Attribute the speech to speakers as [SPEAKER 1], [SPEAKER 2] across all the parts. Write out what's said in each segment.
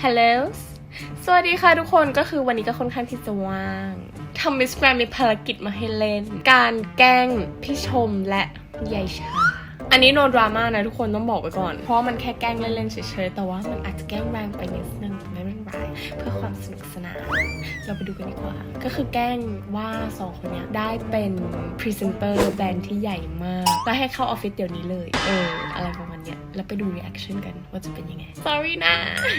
[SPEAKER 1] ฮัลโหลสวัสดีค่ะทุกคนก็คือวันนี้ก็ค่อนข้างที่จะว่างทำมิสแกรนมีภารกิจมาให้เล่นการแกล้งพี่ชมและยายชาอันนี้โนดราม่านะทุกคนต้องบอกไว้ก่อนเพราะมันแค่แกล้งเล่นๆเฉยๆแต่ว่ามันอาจจะแกล้งแรงไปนิดนึงไม่เป็นไรเพื่อความสนุกสนานเราไปดูกันดีกว่าก็คือแกล้งว่าสองคนนี้ได้เป็นพรีเซนเตอร์แบรนด์ที่ใหญ่มากและให้เข้าออฟฟิศเดี๋ยวนี้เลยอะไรประมาณเนี้ยแล้วไปดูรีแอคชั่นกันว่าจะเป็นยังไง sorry นะ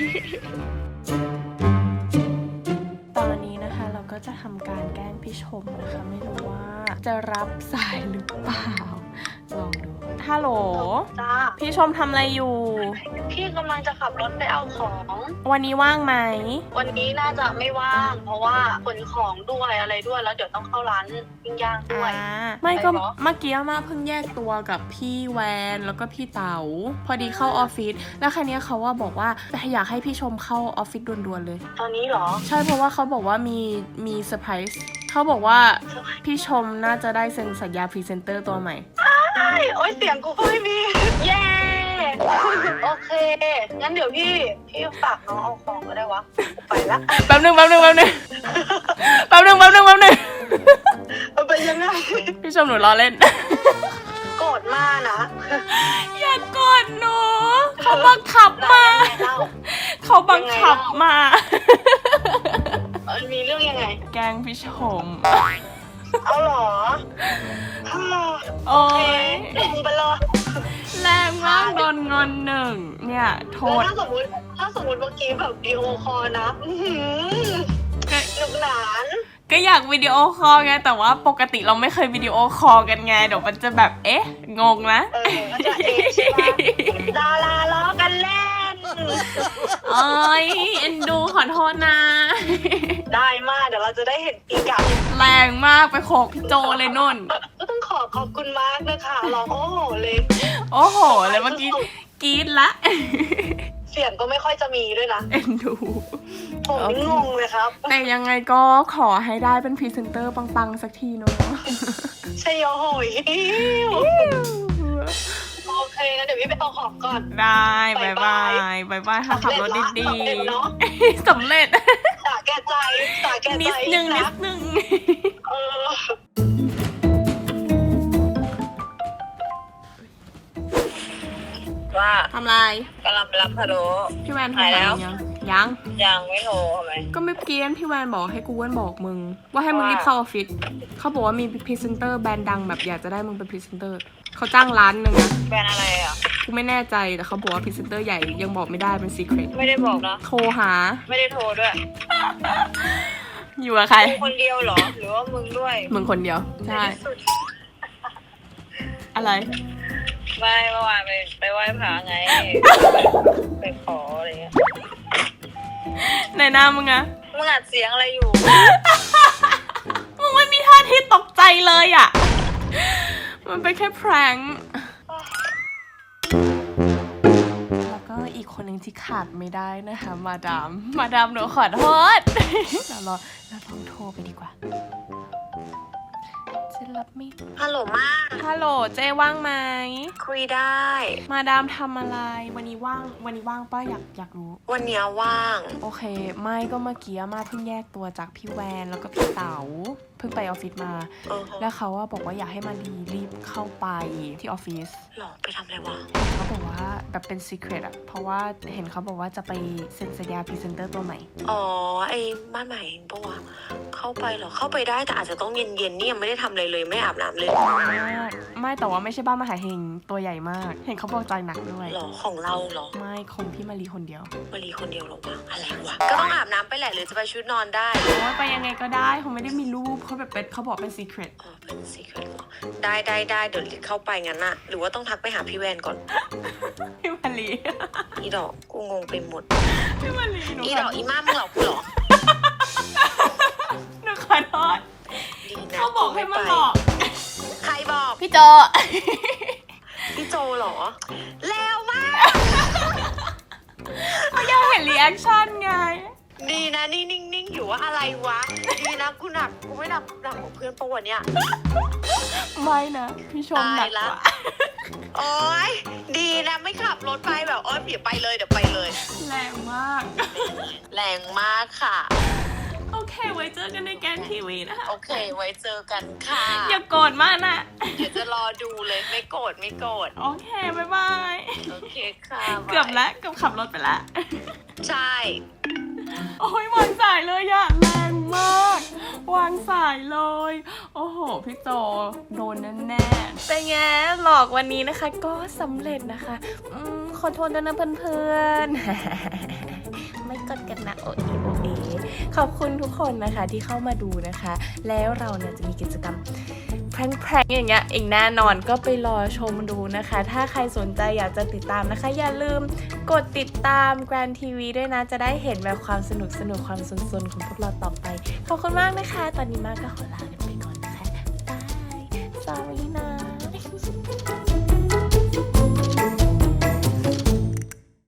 [SPEAKER 1] ตอนนี้นะคะเราก็จะทำการแกล้งพี่ชมนะคะไม่รู้ว่าจะรับสายหรือเปล่าลองดูฮัลโหล
[SPEAKER 2] จ้า
[SPEAKER 1] พี่ชมทำอะไรอยู่
[SPEAKER 2] พี่กำลังจะขับรถไปเอาของ
[SPEAKER 1] วันนี้ว่างไหม
[SPEAKER 2] วันนี้น่าจะไม่ว่าง เพราะว่าขนของด้วยอะไรด้วยแล้วเดี๋ยวต้องเข้าร้านปิ้งย่างด้วย
[SPEAKER 1] ไม่ก็
[SPEAKER 2] ไปเหรอ
[SPEAKER 1] เมื่อกี้มาเพิ่งแยกตัวกับพี่แวนแล้วก็พี่เต๋าพอดีเข้าออฟฟิศแล้วคันนี้เขาว่าบอกว่าอยากให้พี่ชมเข้าออฟฟิศด่วนๆเลย
[SPEAKER 2] ตอนนี้เหรอ
[SPEAKER 1] ใช่เพราะว่าเขาบอกว่ามีเซอร์ไพรส์เขาบอกว่าพี่ชมน่าจะได้เซ็นสัญญาพรีเซนเตอร์ตัวใหม่
[SPEAKER 2] โอ๊ยเสียงกูก็ไม่มี เย้ โอเค งั้นเดี๋ยวพี่ฝากน้องเอาของก็ได้วะกูไปละ
[SPEAKER 1] แป๊บนึง
[SPEAKER 2] มันเป็นยังไง
[SPEAKER 1] พี่ชมหนูล้อเล่น
[SPEAKER 2] โกรธมากนะ
[SPEAKER 1] อย่ากดหนูเขาบังคับมา
[SPEAKER 2] ยังไงเล่า
[SPEAKER 1] เขาบังคับมา
[SPEAKER 2] มีเรื่องยังไง
[SPEAKER 1] แกล้งพี่ชม
[SPEAKER 2] เอาเหรอ
[SPEAKER 1] โอ้ย
[SPEAKER 2] ดึงไปเลย
[SPEAKER 1] แรงมากโดนงอนหนึ่งเนี่ยโท
[SPEAKER 2] แล้ว
[SPEAKER 1] ษ
[SPEAKER 2] ถ้าสมมติเมื่อกี้แบบวิดีโอคอลนะสนุกหนาน
[SPEAKER 1] ก็อยากวิดีโอคอลไงแต่ว่าปกติเราไม่เคยวิดีโอคอลกันไงเดี๋ยวมันจะแบบเอ๊ะงงนะ
[SPEAKER 2] ก็จะใช่ปะดาราล้อกันเล่น
[SPEAKER 1] โอ้ยเอ็นดูขอโทษนะ
[SPEAKER 2] ได้มากเดี๋ยวเราจะได้เห็นปีกับ
[SPEAKER 1] แรงมากไปโขกพี่โจเลยนุ่น
[SPEAKER 2] ก็ต้องขอบคุณมากนะคะร้องโอ้โหเลย
[SPEAKER 1] โอ้โหเลยเมื่อกี้กรี๊ดละ
[SPEAKER 2] เสียงก็ไม่ค่อยจะมีด้วยนะ
[SPEAKER 1] เอ็นดู
[SPEAKER 2] ผมนี่งงเลยครับ
[SPEAKER 1] แต่ยังไงก็ขอให้ได้เป็นพรีเซนเตอร์ปังๆสักทีเนาะ
[SPEAKER 2] ใช่โหยโอเคงั้นเดี๋ยวพี่ไปเอาของก่อน
[SPEAKER 1] ได้บายบายค่ะขับรถดี
[SPEAKER 2] สำเร็จเนอะ
[SPEAKER 1] ๆสำเร็จ
[SPEAKER 2] สาแก่ใจ
[SPEAKER 1] นิดนึง
[SPEAKER 2] เออ ว่า
[SPEAKER 1] ทำไร
[SPEAKER 2] กำลังไปรับพะโล้
[SPEAKER 1] พี่แวน
[SPEAKER 2] หายแล้ว
[SPEAKER 1] ยัง
[SPEAKER 2] ไม่โทรทำไม
[SPEAKER 1] ก็ไม่เกี้ยนพี่แวนบอกให้กูเวนบอกมึง ว่าให้มึงรีบเข้าออฟฟิศเขาบอกว่ามีพรีเซนเตอร์แบรนด์ดังแบบอยากจะได้มึงเป็นพรีเซนเตอร์เขาจ้างร้านหนึ่งนะ
[SPEAKER 2] แบรนด์อะไรอ่ะ
[SPEAKER 1] กูไม่แน่ใจแต่เขาบอกว่าพรีเซนเตอร์ใหญ่ยังบอกไม่ได้เป็นซีเครต
[SPEAKER 2] ไม่ได้บอกนะ
[SPEAKER 1] โทรหา
[SPEAKER 2] ไม่ได้โทรด้วย
[SPEAKER 1] อยู่กับใคร
[SPEAKER 2] มึงคนเดียวเหรอ หรือว่ามึงด้วย
[SPEAKER 1] มึงคนเดียวใช่อะไร
[SPEAKER 2] ไม่เมื่อวานไปไหว้พระไง ไปขออะไรเงี้ย
[SPEAKER 1] ในหน้ามึงอะ
[SPEAKER 2] มึงอัดเสียงอะไรอยู่
[SPEAKER 1] มึงไม่มีท่าที่ตกใจเลยอะมันเป็นแค่แพร้งแล้วก็อีกคนหนึ่งที่ขาดไม่ได้นะคะมาดามหนูขอโทษเราลองโทรไปดีกว่าจะรับไม่
[SPEAKER 2] ฮัลโหลมาก
[SPEAKER 1] ฮัลโหลเจ๊ว่างไหม
[SPEAKER 2] คุยได้
[SPEAKER 1] มาดามทำอะไรวันนี้ว่างป้าอยากรู้
[SPEAKER 2] วันเนี้ยว่าง
[SPEAKER 1] โอเคไม่ก็เมื่อกี้มาเพิ่งแยกตัวจากพี่แวนแล้วก็พี่เต๋าเพิ่งไปออฟฟิศมา แล้วเขาว่าบอกว่าอยากให้มารีบเข้าไปที่ออฟฟิศ
[SPEAKER 2] หรอไปทำอะไรวะ
[SPEAKER 1] เขาบอกว่าแบบเป็นซีเครตอะเพราะว่าเห็นเขาบอกว่าจะไปเซ็นสัญญาพรีเซนเตอร์ตัวใหม่
[SPEAKER 2] อ๋อไอ้บ้านใหม่เองปะวะเข้าไปเหรอ เข้าไปได้แต่อาจจะต้องเย็นๆนี่ยังไม่ได้ทำอะไรเลยไม่อาบน้ำเลย
[SPEAKER 1] ไม่แต่ว่าไม่ใช่บ้านมหาเฮงตัวใหญ่มาก เห็นเขาบอกใจหนักด้วย
[SPEAKER 2] หรอของเราเหรอ
[SPEAKER 1] ไม่ของพี่มารีคนเดียว
[SPEAKER 2] มารีคนเดียวเหรอวะอะไรวะ ก็ต้องอาบน้ำไปแหละหรือจะไปชุดนอนได้
[SPEAKER 1] โอ้ยไปยังไงก็ได้เขาไม่ได้มีรูปเขาแบบเป็นเขาบอกเป็นซีเครต
[SPEAKER 2] อ๋อเป็นซีเครตเหรอได้เดี๋ยวเข้าไปงั้นน่ะหรือว่าต้องทักไปหาพี่แวนก่อน
[SPEAKER 1] พี่มารี
[SPEAKER 2] อีดอกกูงงไปหมด
[SPEAKER 1] พี่มารีหนู
[SPEAKER 2] อีดอกอีม่ามึงหลอกกูเหรอ
[SPEAKER 1] หนูขอโทษ
[SPEAKER 2] ดีนะ
[SPEAKER 1] เขาบอกให้มาบอก
[SPEAKER 2] ใครบอก
[SPEAKER 1] พี่โจ
[SPEAKER 2] พี่โจเหรอแล้วมาก
[SPEAKER 1] เขาอยากเห็นรีแอคชั่นไง
[SPEAKER 2] ดีนะนี่นิ่งอยู่ว่าอะไรวะดีนะกูหนักกูไม่หนักของเพื่อนปะวันเนี้ย
[SPEAKER 1] ไม่นะพี่ชมหนัก
[SPEAKER 2] ตายละ
[SPEAKER 1] กว่า
[SPEAKER 2] โอ๊ยดีนะไม่ขับรถไปแบบโอ๊ยเดี๋ยวไปเลย
[SPEAKER 1] แรงมาก
[SPEAKER 2] แรงมากค่ะ
[SPEAKER 1] โอเค ไว้เจอกันในแกนทีวีนะคะ
[SPEAKER 2] โอเคไว้เจอกันค่ะ
[SPEAKER 1] อย่าโกรธมากนะ
[SPEAKER 2] เดี๋ยวจะรอดูเลยไม่โกรธ
[SPEAKER 1] โอเค บ๊ายบาย
[SPEAKER 2] โอเคค่ะ
[SPEAKER 1] เกือบแล้วเกือบขับรถไปแล้ว
[SPEAKER 2] ใช่
[SPEAKER 1] โอ้ยวางสายเลยอะแรงมาก วางสายเลย โอ้โห พี่โจโดนแน่ๆแต่แง่หลอกวันนี้นะคะ ก็สำเร็จนะคะขอโทษด้วยนะเพื่อนๆ ไม่กดกันนะโอเอขอบคุณทุกคนนะคะที่เข้ามาดูนะคะ แล้วเราเนี่ยจะมีกิจกรรมแพร่งๆอย่างเงี้ยอีกแน่นอนก็ไปรอชมดูนะคะ ถ้าใครสนใจอยากจะติดตามนะคะ อย่าลืมกดติดตาม Grand TV ด้วยนะ จะได้เห็นแบบความสนุกความสนๆของพวกเราต่อไป ขอบคุณมากนะคะ ตอนนี้มากก็ขอลาไป